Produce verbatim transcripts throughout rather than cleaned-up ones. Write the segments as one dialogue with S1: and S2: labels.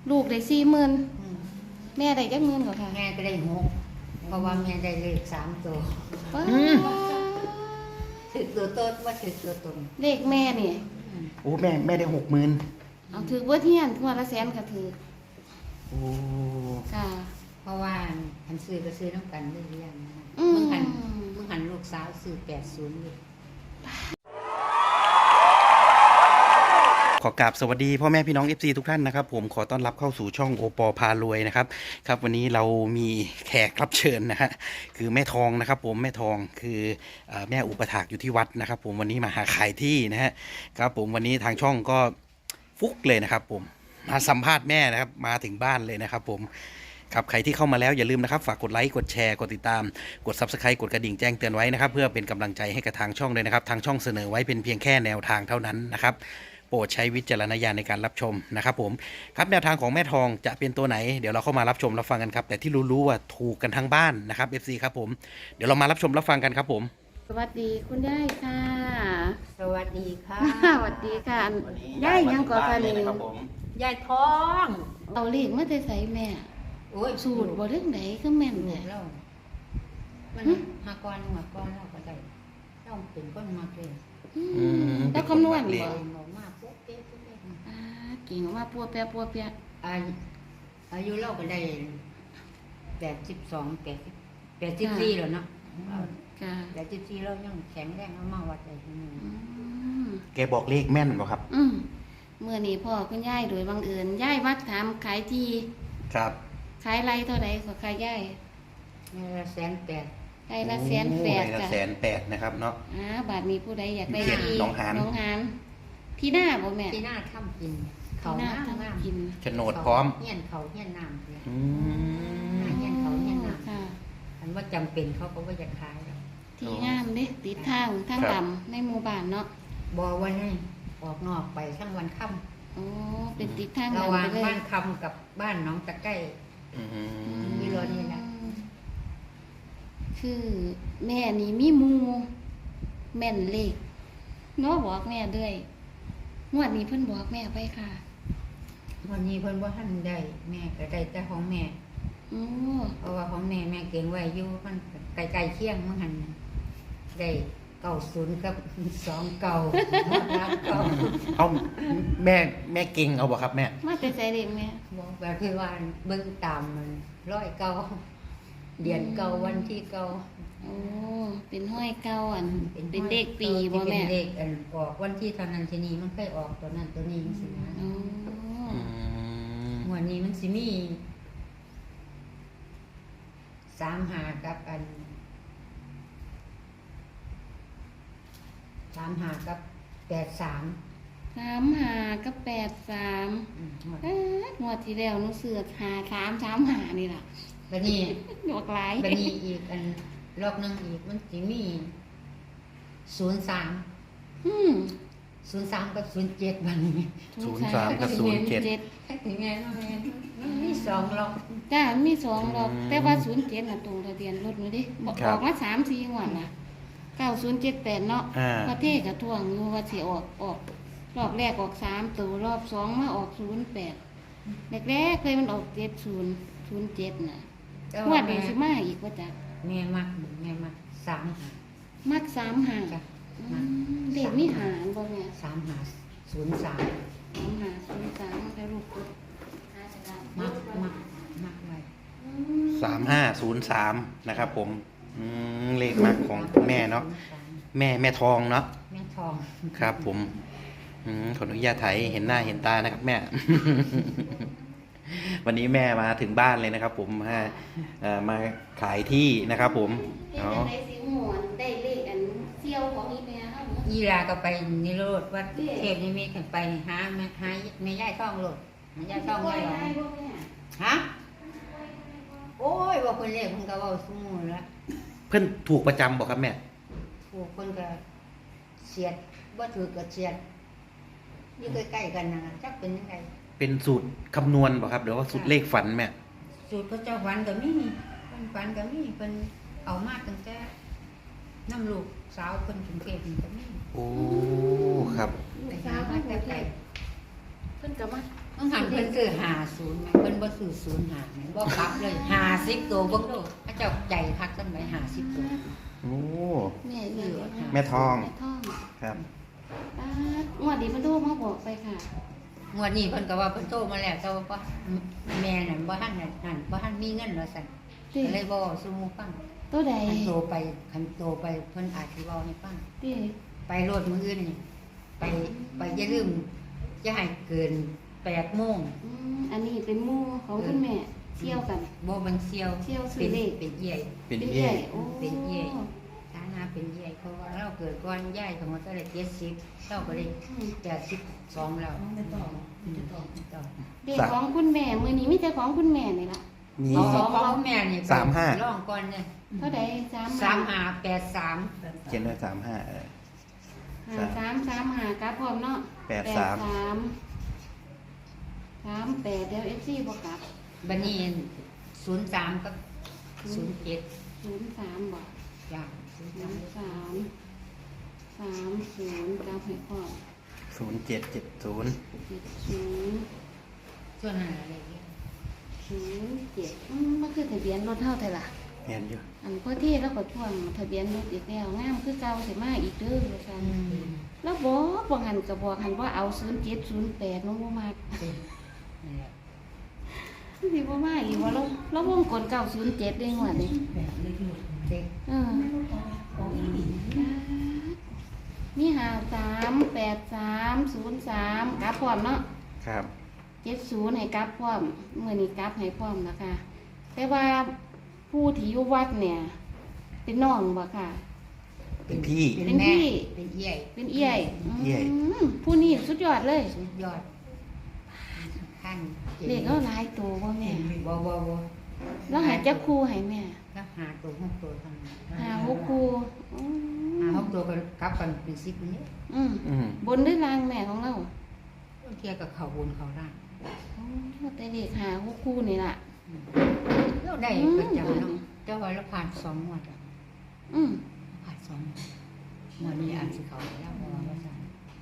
S1: ลูกได้สี่หมื่นแม่ได้จักหมื่นกว่าค่ะ
S2: แม่ก็ได้หกเพราะว่าแม่ได้เลขสามตัวถือตัวต้นว่าถือตัวตน
S1: เลขแม่นี่
S3: โอ้แม่แม่ได้หกหมื่น
S1: เอาถือว่าเที่ยนทั่วละแสนก็ถือ
S3: โอ้
S1: ค่ะ
S2: เพราะว่าหันซื้อก็ซื้อน้ำกันได้เรียนมึ
S1: มึ
S2: งหันมึงหันลูกสาวซื้อแปดศูนย์เลย
S3: ขอกราบสวัสดีพ่อแม่พี่น้อง เอฟ ซี ทุกท่านนะครับผมขอต้อนรับเข้าสู่ช่องโอปอพารวยนะครับครับวันนี้เรามีแขกรับเชิญนะฮะคือแม่ทองนะครับผมแม่ทองคือแม่อุปถากอยู่ที่วัดนะครับผมวันนี้มาหาขายที่นะฮะครับผมวันนี้ทางช่องก็ฟุกเลยนะครับผมมาสัมภาษณ์แม่นะครับมาถึงบ้านเลยนะครับผมครับใครที่เข้ามาแล้วอย่าลืมนะครับฝากกดไลค์กดแชร์กดติดตามกด ซับสไครบ์ กดกระดิ่งแจ้งเตือนไว้นะครับเพื่อเป็นกำลังใจให้กับทางช่องเลยนะครับทางช่องเสนอไว้เป็นเพียงแค่แนวทางเท่านั้นนะครับโปรดใช้วิจารณญาณในการรับชมนะครับผมครับแนวทางของแม่ทองจะเป็นตัวไหนเดี๋ยวเราเข้ามารับชมรับฟังกันครับแต่ที่รู้ๆว่าถูกกันทั้งบ้านนะครับ เอฟ ซี ครับผมเดี๋ยวเรามารับชมรับฟังกันครับผม
S1: สวัสดีคุณยายค่ะ
S2: สวัสดีค่ะ
S1: สวัสดีค่ะยายยังก่อค่ะนี่
S2: ยายท้อง
S1: เอาเลขมาแต่ใส่แม่
S2: โอ้ย
S1: สูตรบ่เรื่องไหนก็แม่นเนี่ย
S2: เรามันหากรหัวกรเราก็ได้ต้องเป็นก้นมาเกย
S1: แล้วคำนวณบ่
S2: มากปุ๊บเป๊ะปุ๊บเป๊ะ
S1: อ่าเก่งมากปัวเปียปัวเปีย
S2: อายุอายุเราก็ได้แปดสิบสองแปดแปดสิบสี่แล้วเนาะแปดสิบสี่เรายังแข็งแรงเอามาวัดได้ที่นี่
S3: แกบอกเลขแม่นบ่ครับ
S1: อืมเมื่อนี้พ่อคุณยายโดยบังเอิญยายวัดถามขายที่
S3: ครับ
S1: ขายไรเท่าไหร่ก็ขายยาย
S2: ละแสนแปด
S1: ไรละแสนแปด
S3: ละแสนแปดนะครับเนาะ
S1: อ่าบาทมีผู้ใดอยากได้ที่
S3: น้องหาน
S1: น้องหานที่หน้าบ่แม่
S2: ที่หน้าทำกินเขา
S1: หน้าทำกิน
S3: โฉนดพร้อม
S2: เฮี้ยนเขาเฮี้ยนน้ำเลย
S3: อื
S2: มเฮี้ยนเขาเฮี้ยนน้ำ
S1: ค่ะ
S2: อันว่าจำเป็นเขาก็ว่าจะขาย
S1: ที่งามดิติดทางทางดำในหมู่บ้านเนาะ
S2: บอกว่าให้ออกนอกไปทั้งวันค่
S1: ำโอ้เป็นติดทาง
S2: ดำระหว่างบ้านคำกับบ้านน้องตะไก่มีรถนี่นะ
S1: คือแม่นี่มีมูแม่นเลขเนาะบอกแม่ด้วยงวดนี้เพิ่นบอกแม่ไปค่ะ
S2: วันนี้เพิ่นว่าท่านได้แม่ก็ได้แต่ของแม่เพราะว่าของแม่แม่เก่งไว้อยู่มันไกลๆเคียงมันหันได้เก้าศูนย์กับสองเก้าหมดแล้วเก้า
S3: เอาแม่แม่เก่งเอาบ่ครับแม่
S1: มาแต่ใจเด็กแม่
S2: บอกแบบที่ว่าเบิ่งตามมันร้อยเก้าเดือนเก้าวันที่เก้า
S1: โอ้เป็นห้อยเก้าอันเป็นเด็กปีบ่แม่
S2: เป็นเด็กอันออกวันที่เท่านั้นทีนี้มันเคยออกตัวนั้นตัวนี้สินะวันนี้มันสิมีสามหากับอันสามหากับแปดสาม
S1: สามหากับแปดสามงวดที่แล้วหนูเสือกหาสามสามหานี่ล่ะ
S2: บัดนี้
S1: หยวกหลาย
S2: บัดนี้อีกอันรอบนึงอีกมันสิมีศูนย์สาม
S1: อืม
S2: ศูนย์สามกับศูนย์เจ็ดบัดนี้
S3: ศูนย์สามกับศูนย์เจ็ด
S2: ถึงไงเนาะมีสองรอบ
S1: จ้ามีสองรอบแต่ว่าศูนย์เจ็ดน่ะตรงทะเบียนรถหนูดิบอกออกมาสามสี่งวดน่ะเก้าศูนย์เจ็ดแปดเนาะประเทศกระท่วงอยู่ว่าสิออกออกรอบแรกออกสามตัวรอบสองมาออกศูนย์แปดแรกๆเคยมันออกเจ็ดศูนย์ศูนย์เจ็ดน่ะงวดนี้สิมาอีกว่าจ้ะ
S2: แม่มักแม่มักสามหา
S1: มักสามหาเด็กมีหารบ่แม่
S2: สามหาศูนย์สาม
S1: สามหาศูนย์สามแล้วลูก
S2: มักมักมักไว้
S3: สามห้าศูนย์สามนะครับผมเลขมักของแม่เนาะแม่แม่ทองเนาะ
S2: แม่ทอง
S3: ครับผมขออนุญาตถ่ายเห็นหน้าเห็นตานะครับแม่วันนี้แม่มาถึงบ้านเลยนะครับผมมามาขายที่นะครับผม
S1: เนาะได้สิหมวนได้เลขอันเซี่ยวของอีแม่เฮา
S2: อีลาก็ไปนิโรธวัดเทพนิมิตกันไปหาแม่หาแม่ย่ายท่องโลดแม่ย่ายท่องไว้หรอฮะโอ้ยว่าคนเลขคนก็เว้าซุมื้อละ
S3: เพิ่นถูกประจำบ่ครับแม่
S2: ถูกคนก็เฉียดบ่ถูกก็เฉียดอยู่ใกล้ๆกันน่ะจักเป็นจังได
S3: เป็นสูตรคำนวณบ่ครับหรือว่าสูตรเลขฝันแม่
S2: สูตรพระเจ้าฝันก็มีเพิ่นฝันก็มีเพิ่นเอามาตั้งแต่น้ำลูกสาวเพิ่นกรุงเทพนี่ก็มี
S3: โอ้ครับ
S1: สาวมาแต่ไกลเพิ่นก็มามา
S2: ต้องหันเพิ่นซื้อห้าศูนย์เพิ่นบ่ซื้อศูนย์ห้าบ่กลับเลยห้าสิบตัวเบิ่งดูพระเจ้าใจคักจังได๋ห้าสิบตัว
S3: โอ้
S1: แม่เหลือ
S3: แม่ทอง
S1: แม่ทอง
S3: ครับ
S1: ป้าดงวดนี้มันโทรมาบอกไปค่ะ
S2: งวดนี้เพิ่นก็ว่าเพิ่นโทรมาแล้วแต่ว่าแม่นั่นบ่ทันนั่นบ่ทันมีเงินว่าซั่น
S1: ติ
S2: ก็เลยบ่สู่หมู่ฟัง
S1: ตัวใด
S2: คันโตไปคันโตไปเพิ่นอาจสิเว้าให้ฟัง
S1: ติ
S2: ไปโลดมื้ออื่นนี่ไปไปอย่าลืมอย่าให้เกินแปดโมง
S1: อืมอันนี้เป็นหมู่ของคุณแม่เที่ยวกัน
S2: บ่มันเซียว
S1: เที่ยวซื้อ
S2: เป็น
S1: เลข
S2: เป็นเอี่ย
S3: เป็น
S1: เป็น
S3: เย่
S1: ใหญ่โอ้
S2: เป็นเอี่ยฐานะเป็นเอี่ยเพราะว่าเราเกิดก่อนยายของเราได้เจ็ดสิบเราก็ได้แปดสิบสองแล้วไม่ต้องไม่ต้องไม่ต้อง
S1: เด็กของคุณแม่มื้อนี้มีแต่ของคุณแม่นี่ล่ะ
S3: มี
S2: เอาของของแม่นี่
S3: สามห้า
S2: ลองก่อนเนี่ย
S1: เท่าใดสาม
S2: สามห้าแปดสาม
S3: เขียนด้วยสามห้าเออ
S1: หาสามสามหากราฟพร้อมเนาะ
S3: แปดสาม
S1: สามสามแปดเดี๋ยว เอฟ ซี บ่กลับ
S2: บันนี้ศูนย์สามกับศูนย์เจ็ด
S1: ศูนย์สามบ่
S2: อย่างศูนย์
S1: ศู
S2: สาม
S1: นย์สามสามศูนย์กราฟให้พร้อม
S3: ศูนย์เจ็ดเจ็ดศูนย์
S1: เจ็ดศูนย์
S2: ส่วนอะไรอย่างเงี้ย
S1: ศูนย์เจ็ดอืมมันคือทะเบียนรถเท่าไทยล่ะ
S3: เห็นอยู่
S1: อันพ่อที่แล้วก็ท่วงทะเบียนรถอีกแล้วงามคือเก่าสิมาอีกเด้อว่าซั่นแล้วบอกบ่หันก็บอกหันว่าเอาศูนย์เจ็ดศูนย์แปดน้องบ่มา
S2: นี่แหละ
S1: สิบ่มาอีกว่าเราเราวงกลเก้าศูนย์เจ็ดได้งวดนี้
S2: เด็ก
S1: เออมีหาสามแปดสามศูนย์สามกลับพร้อมเนาะ
S3: ครับ
S1: เจ็ดศูนย์ให้กลับพร้อมเมื่อนี้กลับให้พร้อมนะคะ แต่ว่าผู้ที่อยู่วัดเนี่ย เป็นน้องบ่ค่ะ
S3: เป็นพี่
S2: เป็น
S1: เป็น
S2: แม่
S1: พี่
S2: เป็นเอี่ย
S1: เป็นเอี่ย
S3: เอี่ย
S1: อืมผู้นี้สุดยอดเลย
S2: สุดยอดขั้น
S1: เด็กก็หลายตัวบ่แม่
S2: บ่บ่บ่
S1: แล้วหาจักครูให้แม่
S2: แล้วหาตัวหกตัวทำ
S1: หาหกครูอืม
S2: หาหกตัวก็กลับกันเป็นสิบนี้
S1: อืม
S3: อืม
S1: บนด้วยรางแม่ของเรา
S2: บางเทียกับเขาบนเขาล่าง
S1: โอ้แต่เด็กหาหกครูนี่ล่ะ
S2: เราได้ประจำเนาะเจ้าไว้เราผ่านสองงวดอะ
S1: อืม
S2: ผ่านสองงวดงวดนี้อาจสิเขาแล้วเพราะว่าว่าสั่น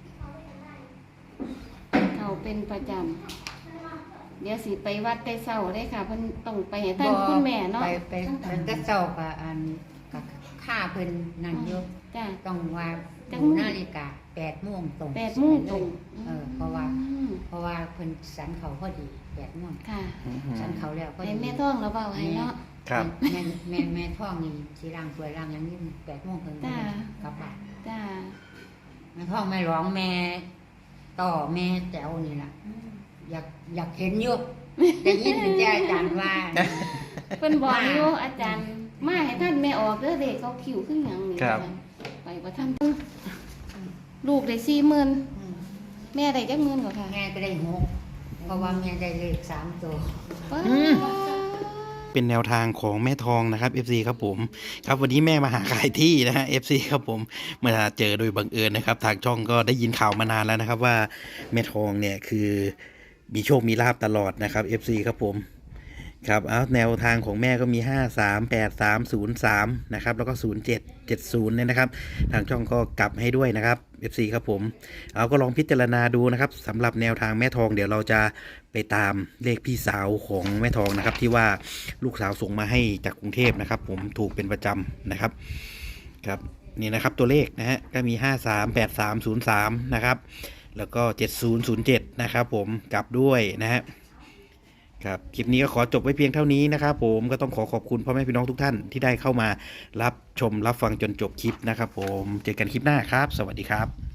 S1: เขาเป็นประจำเดี๋ยวสิไปวัดแต่เช้าได้ค่ะเพิ่นต้องไปให้ท่านคุณแม่เนาะ
S2: ไปไปไปแต่เจ้ากับอันกับค่าเพิ่นนั่นเยอะ
S1: จ้ะ
S2: ต้องว่า
S1: จัง
S2: ดูนาฬิกาแปดโมงตรง
S1: แปดโมงตรง
S2: เออเพราะว่า
S1: อืม
S2: เพราะว่าเพิ่นสันเขาพอดีแปดโมง
S1: ค่ะ
S3: อืม
S2: สันเขาแล้วพอ
S1: ให้
S2: ดี
S1: แม่ท้องเราเบาให้เนาะ
S3: ครับ
S2: แม่แม่แม่ท้องนี่สีร่างสวยร่างอย่างนี้แปดโมงถึง
S1: จ้า
S2: กลับบ้าน
S1: จ้า
S2: แม่ท้องแม่ร้องแม่ต่อแม่แจ๋วนี่ล่ะอยากอยากเห็นอยู่ได้ยินแต่อาจารย์ว่า
S1: เพิ่นบอกอยู่อาจารย์มาให้ท่านแม่ออกเด้อเด็กเขาคิวขึ้นหยังนี่
S3: ครับ
S1: ไปบ่ทันลูกได้สี่หมื่น
S2: อืม
S1: แม่ได้จักหมื่นกว่าค่ะ
S2: แม่ก็ได้หกเพราะว่าแม่ได้เลขสามตัว
S1: ว้า
S3: เป็นแนวทางของแม่ทองนะครับ เอฟ ซี ครับผมครับวันนี้แม่มาหาขายที่นะฮะ เอฟ ซี ครับผมมาเจอโดยบังเอิญนะครับทางช่องก็ได้ยินข่าวมานานแล้วนะครับว่าแม่ทองเนี่ยคือมีโชคมีลาบตลอดนะครับ เอฟ ซี ครับผมครับเอาแนวทางของแม่ก็มีห้า สาม แปด สาม ศูนย์ สามนะครับแล้วก็ศูนย์ เจ็ด เจ็ด ศูนย์เนี่ยนะครับทางช่องก็กลับให้ด้วยนะครับ เอฟ ซี ครับผมเอาก็ลองพิจารณาดูนะครับสำหรับแนวทางแม่ทองเดี๋ยวเราจะไปตามเลขพี่สาวของแม่ทองนะครับที่ว่าลูกสาวส่งมาให้จากกรุงเทพนะครับผมถูกเป็นประจำนะครับครับนี่นะครับตัวเลขนะฮะก็มีห้า สาม แปด สาม ศูนย์ สามนะครับแล้วก็เจ็ด ศูนย์ ศูนย์ เจ็ดนะครับผมกลับด้วยนะฮะครับคลิปนี้ก็ขอจบไว้เพียงเท่านี้นะครับผมก็ต้องขอขอบคุณพ่อแม่พี่น้องทุกท่านที่ได้เข้ามารับชมรับฟังจนจบคลิปนะครับผมเจอกันคลิปหน้าครับสวัสดีครับ